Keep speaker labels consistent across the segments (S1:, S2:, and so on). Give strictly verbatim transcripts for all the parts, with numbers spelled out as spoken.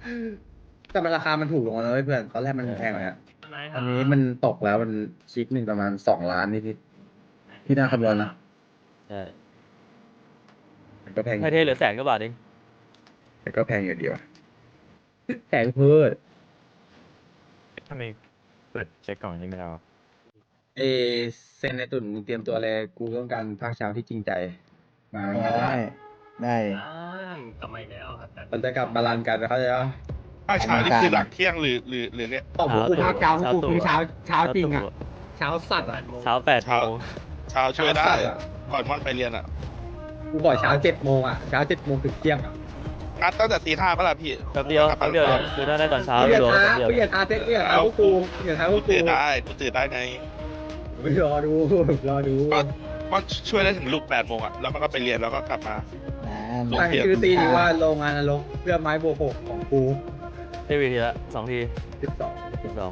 S1: แต่มันราคามันถูกลงแล้วเว้ยเพื่อนตอนแรกมันแพงกว่านี้อันนี้มันตกแล้วมันชิปหนึ่งประมาณสองล้านนิดๆที่น่าคำนวณนะ
S2: ใช่
S1: มันก็แพง
S2: ไทยเทเหลือแสนกว่าบาทเอง
S1: แต่ก็แพงอยู่ดีว่ะแพงเพิ่ม
S3: ทำไมเปิดเช็คกล่องยังไม่ได้วะ
S1: เอเซนในตุ่นมึงเตรียมตัวเลยกูต้องการภาคเช้าที่จริงใจมา
S4: ได้ได้
S5: กลับมาอีกแล้วครับ
S1: มันจะกลับมาลันกันเขาใจปะ
S6: ภาคเช้านี่คือหลังเที่ยงหรือหรือหรือเนี่ย
S1: ตอบกูภาคเช้ากูคือเช้าเช้าจริงอ่ะ
S2: เช้า
S1: เช้าสัตว์อ่ะ
S2: เช้าแปดโม
S6: เช้า
S2: ง
S6: เช้าช่วยได้
S1: เช้าสัตว์อะ
S6: ก่อนม่อนไปเรียนอ่ะ
S1: กูบอกเช้าเจ็ดโมงอ่ะเช้าเจ็ดโมงถึงเที่ยงอ่ะ
S6: งัดตั้งแต่ตีห้าปะล่ะพี่
S2: แป๊บเดียวแป๊บเดียวเลยคือถ้าได้ตอนเช้า
S1: เปลี่ยน
S2: รวม
S1: อา
S2: แป๊บเดียว
S1: เปลี่ยนอาเซ็ตเปลี่ยนอาพวกกูเปลี่ยนอาพว
S6: กู
S1: กกู
S6: ตื่นได้กูตื่นได้ไง
S1: ไม่รอดูรอดู
S6: ก็ม่อนช่วยได้ถึงลูกแปดโมงอ่ะแล้วมันก็ไปเรียนแล้วก็กลับมา
S4: นะ
S1: ตั้งชื่อตีนี้ว่าโรงงานนรกเพื่อไม้โบวกหกของกู
S2: ได้วีทีละสองที
S1: สิบสอง
S2: สิบสอง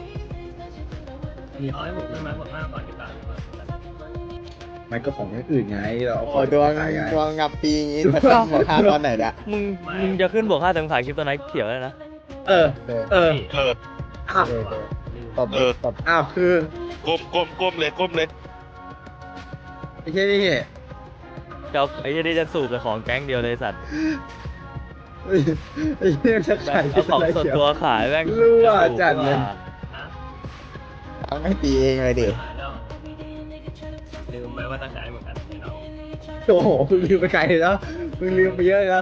S5: มีเอาให้ผมขึ้นมาผมมากก่อนดีกว่า
S1: มันก็ของอย่างอื่นไงเราเอา
S4: โอ้ดวง
S1: ขายไง
S4: ดวงงับปีงี้มาตั้งหัวข้าตอนไหนเนี่ย
S2: มึงมึงจะขึ้นบวกห้าแต่มึงขายคลิปตัวไหนเขียวเลยนะ
S1: เออ
S4: เออ
S1: เออ
S6: เออ
S1: อ้าว
S4: เออเออตบ
S6: เออ
S4: ตบ
S1: อ้าวคือ
S6: ก้มก้มก้มเลยก้มเลย
S1: ไอ้เช่นี่
S2: จะเอาไอ้ยี่นี่จะสูบแต่ของแก๊งเดียวเลยสัตว์
S1: ไอ้เช่จะ
S2: แม่
S1: ขาย
S2: งเอาของ
S1: อะไร
S2: ส่วน
S1: เขียว
S2: ตัวขายแม่ง
S1: รั่วจัดเลย
S4: ต้องให้ตีเองเลยดิ
S5: ลืมไปว่าตั้งใจเหมือนกันเนาะ
S1: โอ้โหมึงลืมไปไกลเลยแล้วมึงลืมไปเยอะเลยนะ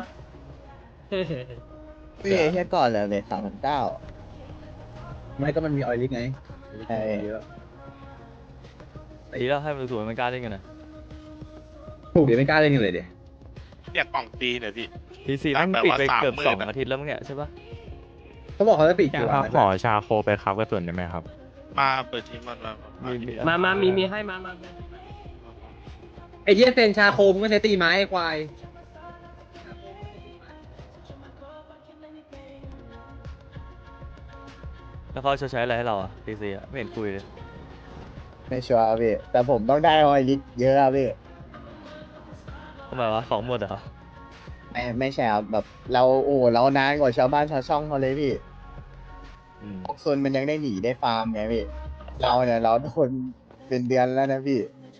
S4: พี่เอแค่ก่อนเลยเลยสามพันเก้า
S1: ไม่ก็มันมีออยลิกไง
S4: ใช่
S1: เยอะ
S2: ตีแล้วให้มันสูบมันกล้าเล่นกันนะ
S1: ถูกเดี๋ยวไม่กล้าเล่นกันเลยเดี๋ยว
S6: เนี่ยกล่องตีเนี่ยพี่
S2: ทีซีแม่งปิดไปเกือบ
S6: แปลว่า
S2: สอง
S6: สามหมื่นอะ
S2: อาทิตย์แล้วมั้งเนี่ยใช่ปะ
S1: เขาบอกเขาจะปิด
S3: อยา
S1: กี่
S3: ก
S1: วั
S3: เอา
S1: น
S3: ขอชาโคไปครับกระสุนได้ไหมครับ
S6: มาเปิดทีมมันมา
S2: มี
S6: มา
S5: มามามีมีให้มามา
S1: ไอ้เหี้ยเซนชาโคมก็ใช้ตีไม้ไอ้ควาย
S2: แล้วเขาจะใช้อะไรให้เราอ่ะทีซีอ่ะไม่เห็นคุยเลย
S4: ไม่ชัวร์พี่แต่ผมต้องได้ออยลิตเยอะอะพี่
S2: ทำไมวะของหมดเหรอ
S4: ไม่ไม่ใช่ครับแบบเราโอ้เรานานกว่าชาวบ้านชาวช่องเขาเลยพี่
S2: อืม
S4: พวกโซนมันยังได้หนีได้ฟาร์มไงพี่เราเนี่ยเราทุกคนเป็นเดือนแล้วนะพี่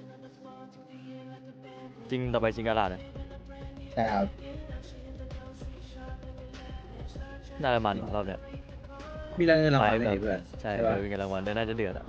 S2: จริงต่อไปจริงกระดาษอะ
S4: ใช่ครับ
S2: น่าจะมันรอบเนี้ย
S1: มีรางเงินรางวัล
S2: ไป
S1: ไหม
S2: แบบ
S1: เพื่อน
S2: ใช่
S1: ปะ
S2: เออมีเงินรางวัลด้วยน่าจะเดือดอ่ะ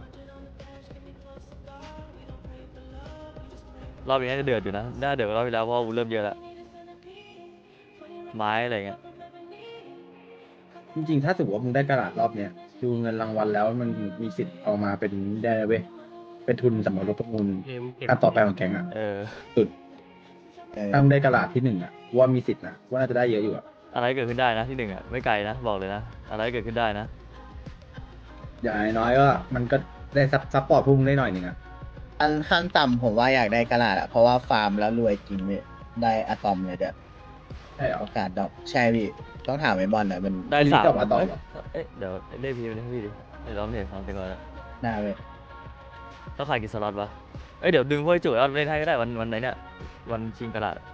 S2: รอบนี้น่าจะเดือดอยู่นะน่าเดือดกว่ารอบที่แล้วเพราะว่าวูเริ่มเยอะแล้วไม้อะไรเงี้ย
S1: จริงๆถ้าสมมติว่ามึงได้กระดาษรอบเนี้ยดูเงินรางวัลแล้วมันมีสิทธิ์เอามาเป็นได้เว้ยเป็นทุนสำหรับรถประมูล
S5: เกมเกม
S1: ขั้นต่อไปของแก๊งอ่ะ
S2: เออ
S1: สุด
S4: เออ
S1: ถ้ามึงได้กระดาษที่หนึ่งอ่ะว่ามีสิทธิ์นะว่าน่าจะได้เยอะอยู่อ่ะ
S2: อะไรเกิดขึ้นได้นะที่หนึ่งอ่ะไม่ไกลนะบอกเลยนะอะไรเกิดขึ้นได้นะ
S1: อย่างน้อยๆก็มันก็ได้ซับซัพพอร์ตพวกมึงได้หน่อยหนึ่งอ่ะ
S4: อันขั้นต่ำผมว่าอยากได้กระดาษอะเพราะว่าฟาร์มแล้วรวยจริงพี่ได้อะตอมเลยเด้อ
S1: ใช่เหรอ
S4: โอกาสดอกใช่พี่ต้องถามไอ้บอลหน่อยมัน
S2: ได้
S1: ทีนี้
S2: สาม
S1: กลับมาต่อเหรอ
S2: เอ๊ะเดี๋ยวเรียกพี่ไปเรียกพี่ดิเดี๋ยวเราเห็นฟังเต็มก่อนนะ
S4: หน้าเว้ย
S2: ต้องขายกี่สล็อตวะเอ้ยเดี๋ยวดึงพวกไอ้จุ๋ยเอาเล่นให้ก็ได้วันวันไหนเนี่ยวันชิงกระดาษ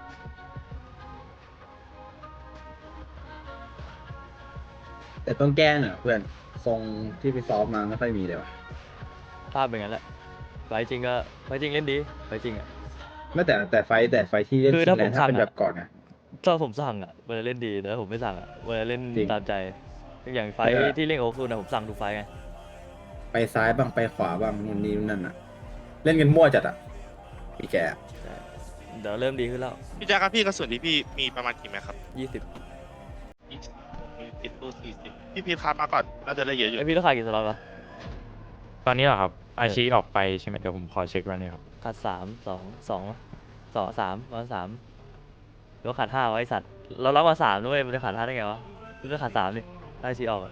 S1: แต่ต้องแก้หน่อยเพื่อนทรงที่ไปซ้อมมาไม่ค่อยมีเลยว่ะ
S2: ภาพเป็นงั้นแหละไฟจริงก็ไฟจริงเล่นดีไฟจริงอ่ะ
S1: ไม่แต่แต่ไฟท์แต่ไฟท์ที่เล่น
S2: คือถ้าผม
S1: แลนด์ถ้าเป็น
S2: สั่งอะ
S1: แบบก่อนไง
S2: ถ้าผมสั่งอ่ะเวลาเล่นดีแต่ถ้าผมไม่สั่งอ่ะเวลาเล่น
S1: จริง
S2: ตามใจอย่างไฟ
S1: เออ
S2: ที่เล่นโอคูนะผมสั่งทุกไฟไง
S1: ไปซ้ายบ้างไปขวาบ้างนู่นนี่นั่นอ่ะ เล่นกันมั่วจัดอ่ะพี่แก
S2: เดี๋ยวเริ่มดีขึ้นแล้ว
S6: พี่แจ๊คครับพี่กระสุนที่พี่มีประมาณกี่แม็กครับ
S2: ยี่สิบ
S6: ยี่สิบมีติดตู้สี่สิบพี่พีทครับมาก่อนน่าจะได้เยอะอยู่
S2: ไอพี่ต้องขายกี่สล็อตวะ
S3: ตอนนี้เหรอครับอาชีออกไปใช่ไหมเดี๋ยวผมขอเช็ควันนี้ครับ
S2: ขาดสามสองสองสองสามวันสามหรือว่าขาดห้าวะไอสัตว์เรารับมาสามด้วยมันจะขาดห้าได้ไงวะมันจะขาดสามนี่ได้ชีออกอะ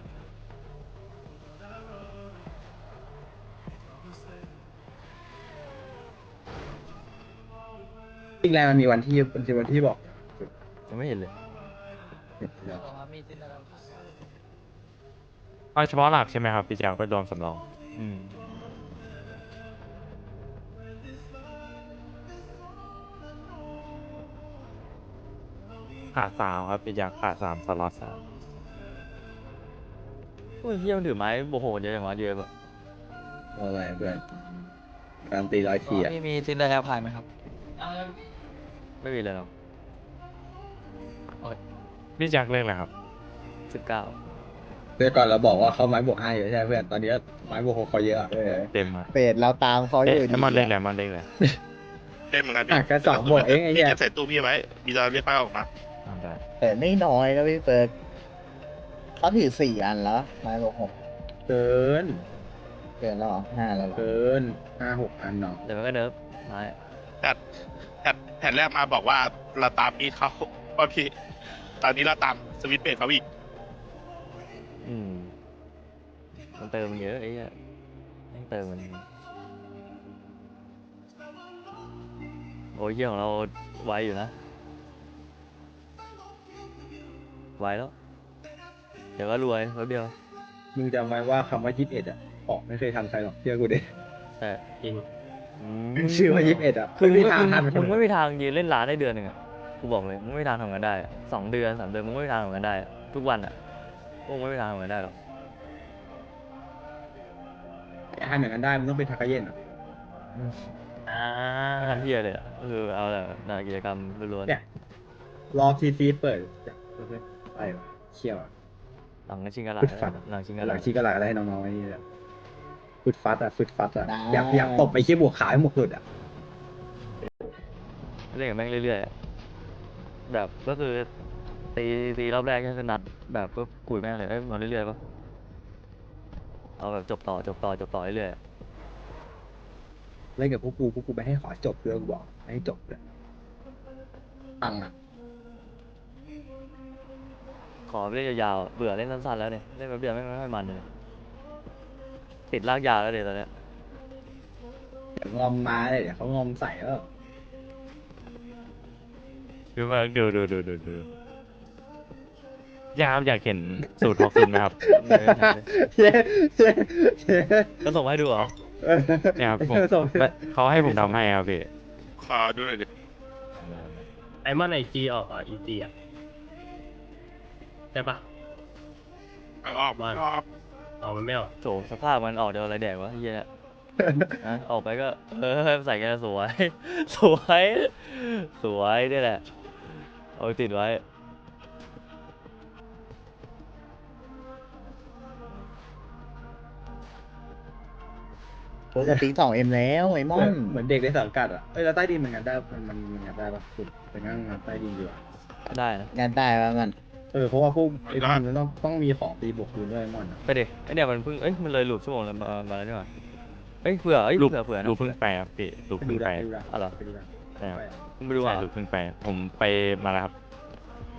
S1: จริงแลนด์มันมีวันที่มันจะวันที่บอก
S2: ยังไม่เห็นเลย
S3: เอาเฉพาะหลักใช่ไหมครับพี่แจ๊คไปรวมสำรอง
S2: อืม
S3: ขาดสามครับพี่แจ๊คขาดสามสล็อตสาม
S2: โอ้ยเฮียมันถือไม้โอ้โหเยอะอย่างวะเยอะแบบ
S1: อะไรเพื่อนการตีร้อยทีอ่ะ
S5: มีมีซินเดอร์แฮปพายไหมครับ
S2: ไม่มีเลยหรอก
S3: พี่แจ็คเรียกอะไรครับ
S2: สิบเก้า
S1: เมื่อก่อนเราบอกว่าเขาไม้บวกห้าอยู่ใช่ไหมเพื่อนตอนนี้ไม้บวกหกเขาเยอะอะเออ
S3: เต็มอ่ะ
S4: เปรตเราตามเขาอ
S3: เอ๊ะ
S4: ยู่ดี
S3: ไอ้มอนเรียกอะไรมอนเรียกอะไร
S6: เล่นเหมือนกัน
S1: อ่ะแค่สองบวกเองไอ้
S6: พี่
S1: เหี้ย
S6: จะใส่ตู้พี่ไว้มีจะเรียกป้าออกมา
S3: อ่าได้
S4: เปรตไม่น้อยนะพี่เฟิร์กเขาถือสี่อันแล้วไม้บอกหก
S1: เกิน
S4: เกินแล้วเหรอห้าแล้วเหรอ
S1: เกินห้าหกอันเนาะ
S2: เดี๋ยวมันก็เนิร์ฟไม้
S6: แต่แต่แผ่นแรกมาบอกว่าเราตามพี่เขาว่าพี่ ตอนนี้เราตามสวิตช์เบรกเขาอีก
S2: อืมมันเติมมันเยอะไอ้เหี้ยแม่งเติมมันโอ้ยเหี้ยของเราไวอยู่นะไวแล้วเดี๋ยวก็รวยแป๊บเดียว
S1: มึงจำไว้ว่าคำว่ายี่สิบเอ็ดอ่ะออกไม่เคยทันใครหรอกเชื่อกูดิ
S2: แต่จริง
S1: ชื่อว่ายี่สิบเอ็ดอ่ะ
S2: คือมึ
S1: ไม่
S2: ง
S1: มีทางทัน
S2: มึงไม่มีทางยืนเล่นร้านได้เดือนหนึ่งอะกูบอกเลยมึงไม่มีทางทำงานได้อะสองเดือนสามเดือนมึงไม่มีทางทำงานได้อะทุกวันอ่ะพวกมึงไม่มีทางทำงานได้หรอก
S1: ทำอย่างนั้นได้มึงต้องเป็นทากาเย็นอ่ะ
S2: ไม่ทำเพี้ยเลยอ่ะก็คือเอาแต่งานกิจกรรมล้วน
S1: เนี่ยรอทีซีเปิดไปวะเชี่ยวอะ
S2: ๆหลังชิงกระหลา
S1: ฟึดฟัด
S2: หลังชิงก
S1: ห
S2: ระห
S1: ลั
S2: ลาง
S1: ชี้กระหลักอะไรให้น้องๆไอ้นี่แหละฟึดฟัดอ่ะฟึดฟัดอ่ะอยากอยากตบไปขี้บวกขายหมดสุดอ่ะ
S2: เล่นกับแม่งเรื่อยๆอะแบบก็คือตีตีรอบแรกก็คือนัดแบบปุ๊บกุยแม่งเลยเอ้ยมาเรื่อยๆปะเอาแบบจบต่อจบต่อจบต่อเรื่อยๆอะ
S1: เล่นกับพวกกูพวกกูไม่ให้ขอจบเลยกูบอกไม่ให้จบเลยตังค์อ่ะ
S2: ขอเล่นยาวๆเบื่อเล่นสั้นๆแล้วเนี่ยเล่นแป๊บเดียวไม่งไม่ค่อยมันเลยติดลากยาวแล้วเดี๋ยวตอนเนี้ย
S1: เดี๋ยวงอมมาเลยเดี๋ยวเขางอมใส่แล้ว
S3: คือว่าดูดูดูดูดูอยากอยากเห็นสูตรฮอกซุนไหมครับ
S2: ไม่ได้ทำเลย
S1: เย้เย้เย้
S2: ก็ส่งมาให้ดูเหรอ
S3: เนี่ยครับผม
S1: ส่ง
S3: เขาให้ผมทำให้ครับพี่
S6: ขอดูหน่อยดิ
S5: ไอมอนไอจีออกอ่ะอีจีอ่ะใช่ปะ
S6: เอาออก
S5: บ้าน
S6: เอาออก
S5: ออกมันไม่ออก
S2: โถสภาพมันออกเดี๋ยวอะไรแดกวะเฮียเนี่ยนะออกไปก็เออใส่กันสวย สวย สวยนี่แหละเอาไปติดไว้
S4: โอ้สติ๊กสองเอ็มแล้วไอ้มอน
S1: เหมือนเด็กในสังกัดอ่ะเอ้ยแล้วใต้ดินมันงานได้มันมันมันงานได้ปะคุณไปนั่งงานใต้ดินดีกว่า
S2: ได้นะ
S4: งานได้ป่ะมัน
S1: เออเพราะว่าพวกไอ้พวกมันต้องต้องมีของตีบวกคืนด้วยไอ้มอนอะ
S2: ไปดิไอเนี่ยมันเพิ่งเอ้ยมันเลยหลุดชั่วโมงแล้วมามาแล้วนี่หว่าเอ้ยเผื่อเอ้ย
S3: รูป
S2: เผื่อเผื่อนะ
S3: รูปเพิ่งไปครับพี่รูป
S1: ไป
S3: เพิ่
S1: ดู
S3: ง
S1: ได้
S3: ไป
S1: ไปดูได้
S2: อ๋อเหรอ
S1: ไปดูได้
S3: นะครับ
S1: ไปอะ
S2: มึงไปดู
S3: ใช่
S2: อ่ะ
S3: รูปเพิ่งไป ผมไปมาแล้วครับ